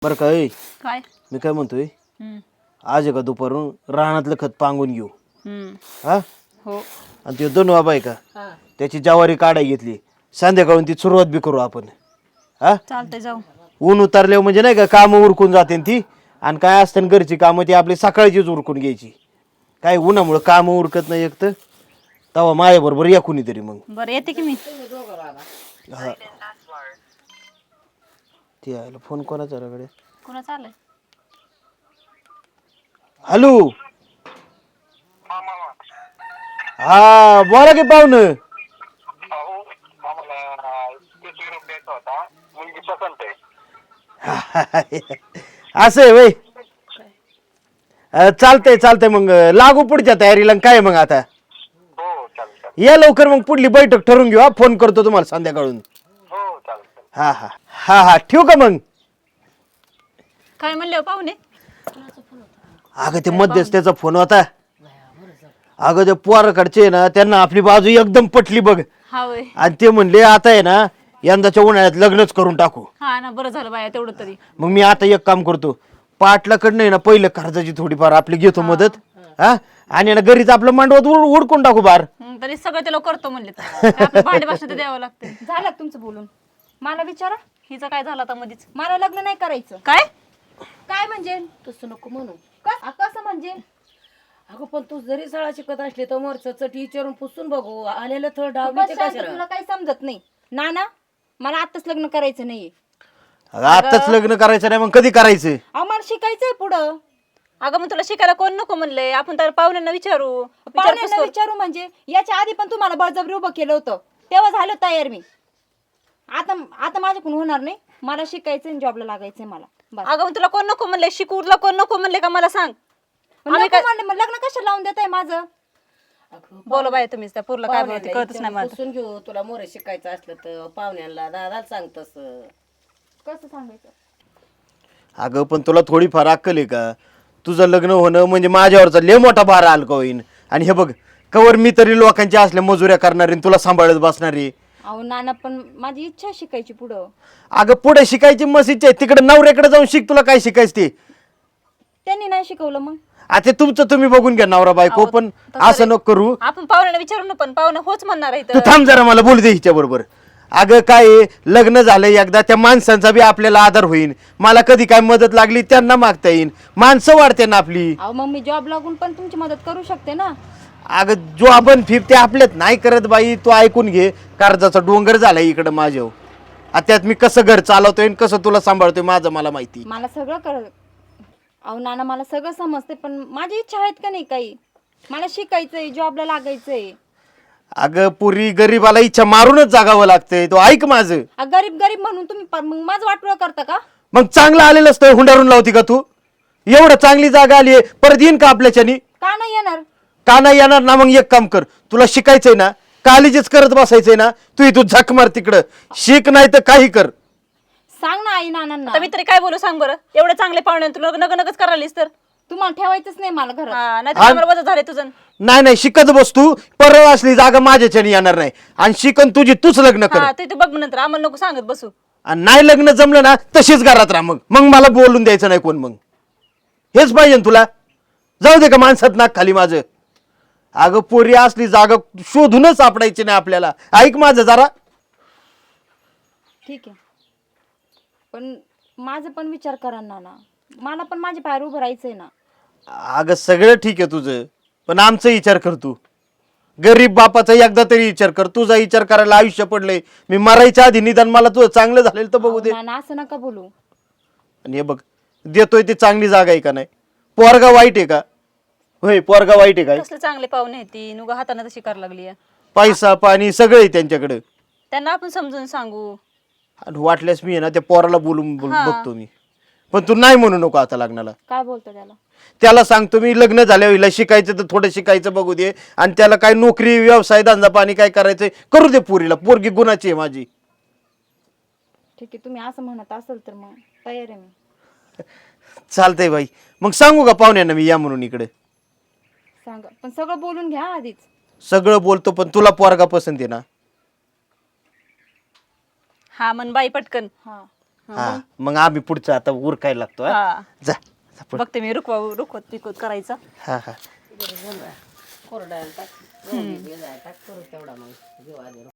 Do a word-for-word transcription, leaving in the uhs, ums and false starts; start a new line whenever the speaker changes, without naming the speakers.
बरं काय
काय
मी काय म्हणतोय
हम्म
आज आहे का दुपारून रानातलं खत पांगून घेऊ
हम्म
हा
हो
आणि ते दोन बाबा आहे का त्याची ज्वारी काढाय घेतली संध्याकाळून ती सुरुवात बी करू आपण हा
चालतंय जाऊ
ऊन उतरल्यावर म्हणजे नाही का कामं उरकून जाते ती आणि काय असतं ना घरची कामं ती आपली सकाळचीच उरकून घ्यायची काय उन्हामुळं कामं उरकत नाही एक तर तेव्हा माझ्याबरोबर या कुणीतरी मग
बरं येते की मी
हा ती आयला फोन कोणाचा कडे
कोणाचं आलंय
हॅलो हा बोला की पाहुणं असं आहे वय चालतंय चालतंय मग लागू पुढच्या तयारीला काय मग आता या लवकर मग पुढली बैठक ठरवून घेऊ हा फोन करतो तुम्हाला संध्याकाळून हा हा हा हा ठेवू का मग
काय म्हणले हो पाहुणे
अगं ते मध्यस्थाचा फोन होता अगं ते पोराकडचे ना त्यांना आपली बाजू एकदम पटली बघ
हा वय
आणि ते म्हणले आता आहे ना यंदाच्या उन्हाळ्यात लग्नच करून टाकू
हा ना बरं झालं बाया तेवढं तरी
मग मी आता एक काम करतो पाटलाकडनं आहे ना पहिलं कर्जाची थोडीफार आपली घेतो मदत हा आणि ना घरीच आपलं मांडवत उड- उडकून टाकू बार
हं, तरी सगळं ते लोक करतो म्हणले तर काय आपलं भांडे भाषण तर द्यावं लागते
झालं का तुमचं बोलून मला विचारा
हिचं काय झालं आता मधीच
मला लग्न नाही करायचं
काय
काय म्हणजे
तसं नको म्हणू
कस कसं म्हणजे
अगं पण तू जरी सळा शिकत असली तर मोरच चटी विचारून पुसून बघू आलेलं थळ डावली
बस
ते
शांत,
कशाला
तुला काही समजत नाही ना ना मला आताच लग्न करायचं नाहीये
अगं आताच लग्न करायचं नाही मग कधी करायचं
अहो मला शिकायचंय पुढं
अगं मग तुला शिकायला कोण नको म्हणले आपण तर पाहुण्यांना विचारू विचारपूस
पाहुण्यांना
करू.
विचारू म्हणजे याच्या आधी पण तुम्हाला बळजबरी उभं केलं होतं तेव्हा झालं तयार मी आता आता माझ्याकडून होणार नाही मला शिकायचंय जॉबला लागायचंय मला बस
अगं मग तुला कोण नको म्हणले शिकू तुला कोण नको म्हणले का मला सांग
मग नको म्हणले, मग लग्न कशाला लावून देताय माझं
अगं
बोला बाय तुम्हीच त्या पूरला काय बोलते
पाहुण्याला
कळतच नाही मला
पुसून घेऊ तुला मोर शिकायचं असलं तर पाहुण्याला दादा सांग तसं
कसं सांगायचं
अगं पण तुला थोडीफार अक्कल आहे का तुझं लग्न होणं म्हणजे माझ्यावरचा लय मोठा भार हलका होईन आणि हे बघ कवर मी तरी लोकांच्या असल्या मजुऱ्या करणारी आणि तुला सांभाळत बसणारी
अहो नाना पण माझी इच्छा आहे शिकायची पुढं
अगं पुढे शिकायची मसीच आहे तिकडे नवऱ्याकडे जाऊन शिक तुला काय शिकायचं ते
त्यांनी नाही शिकवलं मग
आता तुमचं तुम्ही बघून घ्या नवरा बायको पण असं नको करू
आपण पाहुण्यांना विचारू ना पण पाहुणे होच म्हणणार आहे
तू थांब जरा मला बोलू दे हिच्या बरोबर अगं काय आहे, लग्न झालं एकदा त्या माणसांचा बी आपल्याला आधार होईल मला कधी काय मदत लागली त्यांना मागता येईल माणसं वाढते ना आपली
अहो मग मी जॉब लागून पण तुमची मदत करू शकते ना
अगं जो आपण फिरते आपल्यात नाही करत बाई तू ऐकून घे कर्जाचा डोंगर झालाय इकडं माझ्या आता त्यात मी कसं घर चालवतोय आणि कसं तुला सांभाळतोय माझं मला माहिती
मला सगळं कर अहो नाना मला सगळं समजते पण माझी इच्छा आहेत का नाही काही मला शिकायचंय जॉबला लागायचंय
अगं पुरी गरीबाला इच्छा मारूनच जागावं लागतंय तो ऐक माझं
अ, गरीब गरीब म्हणून तुम्ही प- मग माझं वाटोळं करता का
मग चांगलं आलेलं असतं हुंडारून लावती का तू एवढं चांगली जागा आली आहे परत येईन का आपल्याच्यानी
का नाही येणार
का नाही येणार ना मग एक काम कर तुला शिकायचंय ना काळजीच करत बसायचंय ना तू इथून झक मार तिकडं शिक नाही तर काही कर
सांग ना आई नानांना
आता मी तरी काय बोलू सांग बरं एवढे चांगले पाहुणे तू लग्न नगच करायलीस तर
तुम्हाला ठेवायचंच नाही मला घरात
हा नाही तर वजन झाले तुझं
नाही नाही शिकत बस तू परत असली जागा माझ्याच्याने येणार नाही आणि शिकन तुझी तूच लग्न कर
हा ते तू बघ नंतर आम्हाला नको सांगत बसू
आणि नाही लग्न जमलं ना तशीच घरात राहा मग मग मला बोलून द्यायचं नाही कोण मग हेच पाहिजे ना तुला जाऊ दे का माणसात नाक खाली माझं अगं पोरी असली जागा शोधूनच सापडायची नाही आपल्याला ऐक माझं जरा
ठीक आहे पण माझं पण विचार करा ना ना मला पण माझ्या पायावर उभं राहायचंय ना
अगं सगळं ठीक आहे तुझं पण आमचा विचार कर तू गरीब बापाचा एकदा तरी विचार कर तुझा विचार करायला आयुष्य पडलंय मी मरायच्या आधी निदान मला तुझं चांगलं झालेलं तर बघू दे
नाना असं नका बोलू
आणि हे बघ देतोय ती चांगली जागा आहे का नाही पोरगा वाईट आहे का होय पोरगा वाईट आहे काय
कसले चांगले पाहुणे आहेत ती नुगा हाताने तशी करायला लागली आहे.
पैसा पाणी सगळं आहे त्यांच्याकडे
त्यांना आपण समजून सांगू
आणि वाटल्यास मी आहे ना त्या पोराला बोलून बोल- बघतो मी पण तू नाही म्हणू नको आता लग्नाला
काय बोलतो त्याला
त्याला सांगतो मी लग्न झाल्यावर हिला शिकायचं तर थोडं शिकायचं बघू दे आणि त्याला काय नोकरी व्यवसाय धंदा पाणी काय करायचंय करू दे पुरीला पोरगी गुणाची आहे माझी
ठीक आहे तुम्ही असं म्हणत असेल तर मग तयार आहे मी
चालतंय बाई मग सांगू का पाहुण्यांना मी या म्हणून इकडे
सांगा पण सगळं बोलून घ्या आधीच
सगळं बोलतो पण तुला पोरगा पसंत आहे ना
हा मन बाई पटकन
हा
हा मग आम्ही पुढचं आता उरकायला लागतो हा?
हा
जा जा पुढं.
बघते मी रुकवा रुकवत पिकवत करायचं
हा हा
कोरडायला टाक टाक करू तेवढा मग जीव आधी